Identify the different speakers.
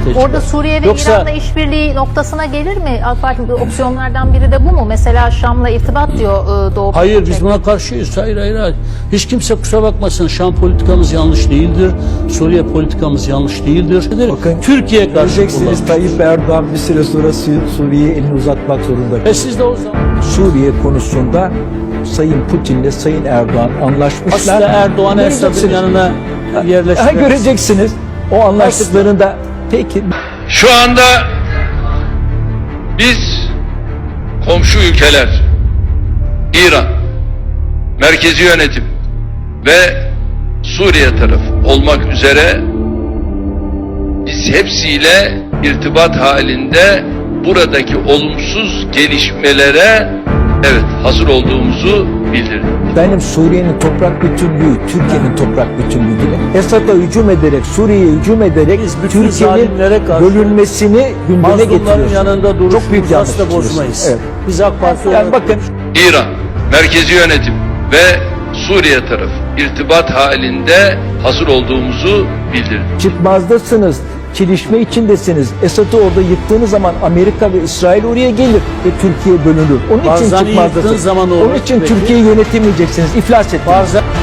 Speaker 1: çıkar.
Speaker 2: Orada Suriye ve
Speaker 1: Yoksa
Speaker 2: İran'la işbirliği noktasına gelir mi? AK Parti'nin opsiyonlardan biri de bu mu? Mesela Şam'la irtibat diyor Doğu
Speaker 1: hayır,
Speaker 2: Perinçek.
Speaker 1: biz buna karşıyız. Hayır. Hiç kimse kusura bakmasın. Şam politikamız yanlış değildir. Suriye politikamız yanlış değildir.
Speaker 3: Bakın,
Speaker 1: Türkiye karşı
Speaker 3: göreceksiniz
Speaker 1: kullanılır.
Speaker 3: Tayyip Erdoğan bir süre sonra Suriye'ye elini uzatmak zorunda.
Speaker 1: Siz de o zaman
Speaker 3: Suriye konusunda Sayın Putin'le Sayın Erdoğan anlaşmışlar.
Speaker 1: aslında Erdoğan'ı Esad'ın
Speaker 3: Göreceksiniz.
Speaker 1: yanına yerleştirmek.
Speaker 3: Göreceksiniz. O anlaştıklarında peki.
Speaker 4: Şu anda biz komşu ülkeler, İran, merkezi yönetim ve Suriye tarafı olmak üzere biz hepsiyle irtibat halinde buradaki olumsuz gelişmelere hazır olduğumuzu bildirdik.
Speaker 3: Benim Suriye'nin toprak bütünlüğü, Türkiye'nin toprak bütünlüğü değil. Esad'a hücum ederek, Suriye'ye hücum ederek
Speaker 1: Biz bütün
Speaker 3: Türkiye'nin
Speaker 1: zalimlere karşı
Speaker 3: bölünmesini gündeme
Speaker 1: mazlumların
Speaker 3: getiriyorsunuz.
Speaker 1: yanında
Speaker 3: Çok büyük
Speaker 1: duruşumuzu
Speaker 3: yanlış
Speaker 1: asla
Speaker 3: yapıyorsunuz.
Speaker 1: bozmayız.
Speaker 3: Evet.
Speaker 1: Biz AK Parti
Speaker 3: Yani
Speaker 1: olarak
Speaker 3: bakın,
Speaker 4: İran, merkezi yönetim ve Suriye tarafı irtibat halinde hazır olduğumuzu bildirdik.
Speaker 3: çıkmazdasınız, çelişme içindesiniz. Esad'ı orada yıktığınız zaman Amerika ve İsrail oraya gelir ve Türkiye bölünür. Onun için
Speaker 1: Barzani'yi yıktığın
Speaker 3: çıkmazdasınız.
Speaker 1: zaman olur.
Speaker 3: Onun için
Speaker 1: Peki.
Speaker 3: Türkiye'yi yönetemeyeceksiniz, iflas ettiniz.